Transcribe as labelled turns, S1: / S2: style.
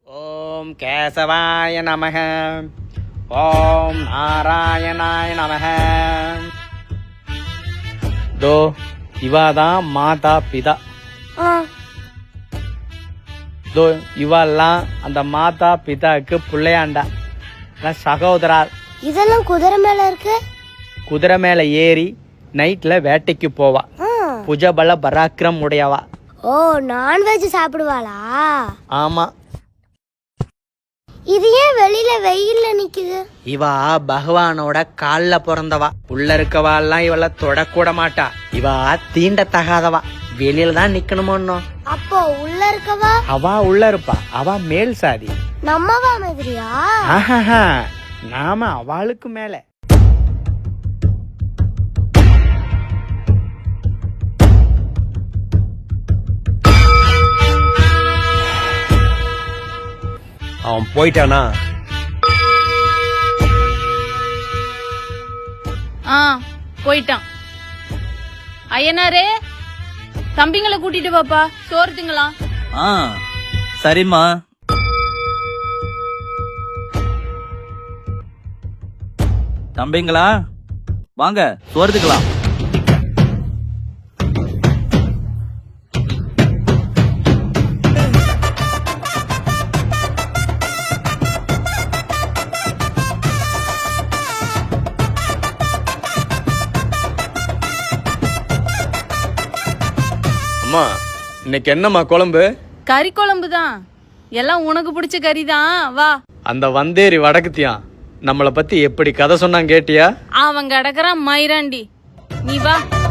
S1: ஓம் கேசவாய நமக. ஓம் நாராயணாய நமக. தோ இவாதான் மாதா பிதா. தோ இவெல்லாம் அந்த மாதா பிதாக்கு பிள்ளையாண்டா, சகோதரா.
S2: இதெல்லாம் குதிரை மேல இருக்கு.
S1: குதிரை மேல ஏறி நைட்ல வேட்டைக்கு போவா. புஜபல பராக்கிரம் உடையவா.
S2: ஓ, நான்வெஜ் சாப்பிடுவாளா?
S1: ஆமா.
S2: இது ஏன் வெளியில வெயில்ல நிக்குது?
S1: இவா பகவானோட கால்ல பிறந்தவா. உள்ள இருக்கவா எல்லாம் இவள தொடக்கூட மாட்டா. இவா தீண்டத்தகாதவா, வெளியில தான் நிக்கணுமோ.
S2: அப்போ உள்ள இருக்கவா?
S1: அவா உள்ள இருப்பா, அவா மேல் சாதி.
S2: நம்மவா மாதிரியா?
S1: ஆஹா, நாம அவளுக்கு மேல.
S3: அவன் போயிட்டானா?
S4: போயிட்டான். ஐயனாரே, தம்பிங்களை கூட்டிட்டு வாப்பா, சோறு திங்கலாம்.
S5: சரிம்மா. தம்பிங்களா வாங்க, சோறு திங்கலாம்.
S1: அம்மா, இன்னைக்கு என்னம்மா குழம்பு?
S4: கறி குழம்பு தான். எல்லாம் உனக்கு பிடிச்ச கறி தான். வா.
S1: அந்த வந்தேரி வடக்குத்தியான் நம்மளை பத்தி எப்படி கதை சொன்னான் கேட்டியா?
S4: அவன் கிடக்குறான் மயிராண்டி. நீ வா.